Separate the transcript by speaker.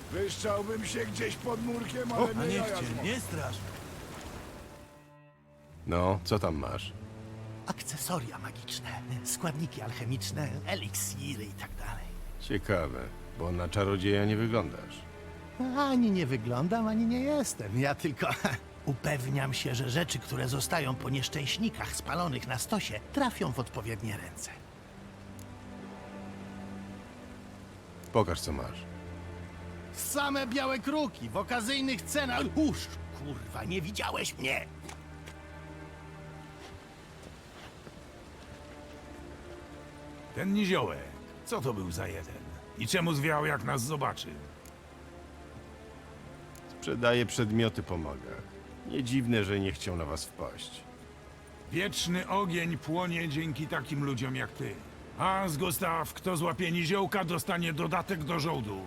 Speaker 1: Wyszczałbym się gdzieś pod murkiem, ale
Speaker 2: A
Speaker 1: nie
Speaker 2: niech
Speaker 1: jaja
Speaker 2: cię
Speaker 1: zmoczę.
Speaker 2: nie strasz.
Speaker 3: No, co tam masz?
Speaker 2: Akcesoria magiczne, składniki alchemiczne, eliksiry i tak dalej.
Speaker 3: Ciekawe, bo na czarodzieja nie wyglądasz.
Speaker 2: Ani nie wyglądam, ani nie jestem. Ja tylko upewniam się, że rzeczy, które zostają po nieszczęśnikach spalonych na stosie, trafią w odpowiednie ręce.
Speaker 3: Pokaż, co masz.
Speaker 2: Same białe kruki w okazyjnych cenach. Kurwa, nie widziałeś mnie!
Speaker 1: Ten niziołek, co to był za jeden? I czemu zwiał, jak nas zobaczy?
Speaker 3: Sprzedaje przedmioty po magach. Nie dziwne, że nie chciał na was wpaść.
Speaker 1: Wieczny ogień płonie dzięki takim ludziom jak ty. A z Gustaw, kto złapie niziołka, dostanie dodatek do żołdu.